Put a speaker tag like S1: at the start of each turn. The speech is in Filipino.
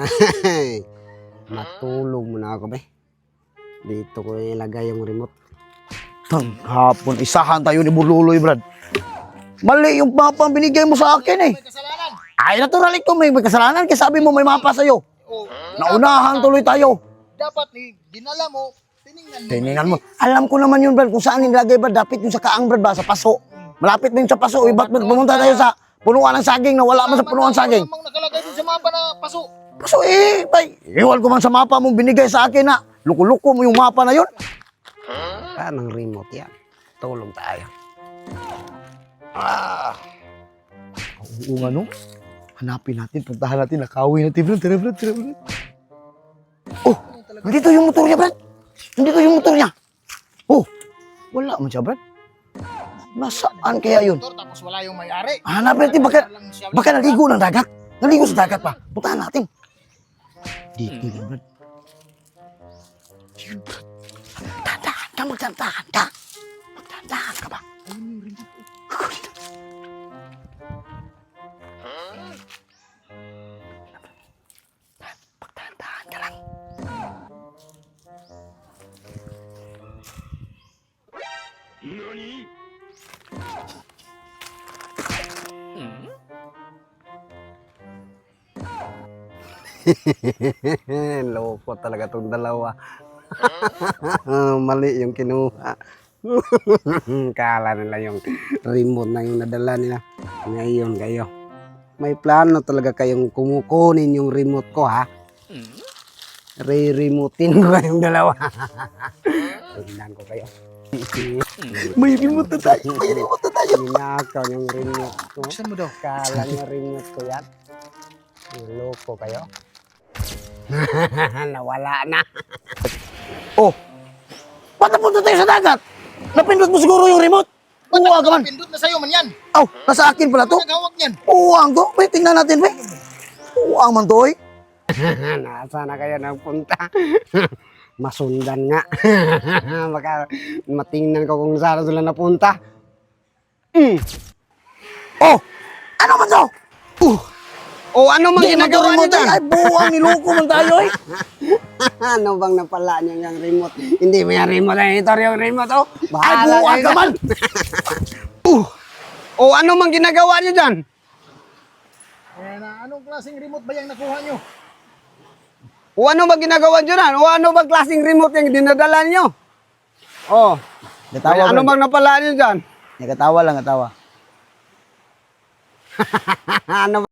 S1: Matulog muna ako, be. Dito ko ilagay yung remote.
S2: Hapon, isahan tayo ni Burluloy, Brad. Mali yung mapa ang binigay mo sa akin eh.
S3: May kasalanan.
S2: Ay, natural ito, may kasalanan. Kasi sabi mo may mapa sa'yo.
S3: Oh,
S2: Naunahan tuloy tayo.
S3: dapat dinala mo, tiningnan mo.
S2: Tingnan mo. Alam ko naman yun, Brad, kung saan nilagay, Brad. Dapat yung sa kaang, Brad, ba? Sa paso. Malapit din sa paso. Ba't pumunta tayo sa punuan ng saging na wala man sa punuan ng saging?
S3: Namang nakalagay din sa mapa na paso.
S2: Paso eh, bay. Iwan ko man sa mapa mong binigay sa akin na. Luko-luko mo yung mapa na yun.
S1: Kanang remote yan. Tulog tayo.
S2: Oo nga, no? Hanapin natin, puntahan natin, nakawin natin, Brad. Tara, Brad, tara, Brad. Oh, nandito yung motor niya, Brad. Nandito yung motor niya. Oh, wala man siya, Brad. Nasaan kaya yun?
S3: Motor, tapos wala yung may-ari.
S2: Hanapin natin, baka naligo ng dagat. Naligo sa dagat pa. Puntahan natin. Dito yan, Brad. Yun, Brad. Magtandahan ka, magtandahan ka. Magtandahan ka ba? Magtandahan ka lang.
S1: Loko talaga tong dalawa. Mali yung kinuha. Kala nila yung remote na yung nadala nila. Ngayon kayo. May plano talaga kayong kumukunin yung remote ko, ha? Re-remotein ko kayong dalawa. Tingnan ko kayo.
S2: May remote na tayo. May remote na tayo.
S1: Ninakaw yung remote ko.
S3: Saan mo daw?
S1: Kala nyo remote ko yan. Loko kayo. Nawala na.
S2: Oh, ba't napunta tayo sa dagat? Napindot mo siguro yung remote. Uwa ka man.
S3: Pindot na sa'yo man yan.
S2: Aw, nasa akin pala to.
S3: Ano naghawak niyan?
S2: Uwang to. May tingnan natin, be. Uwang man to, eh.
S1: Nasa na kayo nagpunta? Masundan nga. Baka matingnan ko kung saan sila napunta.
S2: Oh, ano man to?
S1: O ano mang
S2: Di
S1: ginagawa
S2: magkaroon
S1: niyo
S2: mo tayo.
S1: dyan?
S2: Ay, buwang niloko man tayo, eh.
S1: Ano bang napala niyo yung remote? Hindi mo yung remote. Ito yung remote, oh.
S2: Ay,
S1: Bahala
S2: buwang
S1: kayo
S2: ka man.
S1: O ano mang ginagawa niyo dyan?
S3: Eh, anong klaseng remote ba yung nakuha nyo?
S1: O ano bang ginagawa niyo dyan? O ano bang klaseng remote yung dinadala niyo? Oh.
S2: Natawa,
S1: Ano
S2: Brad.
S1: bang napala niyo dyan?
S2: Nagkatawa lang, natawa.
S1: Ano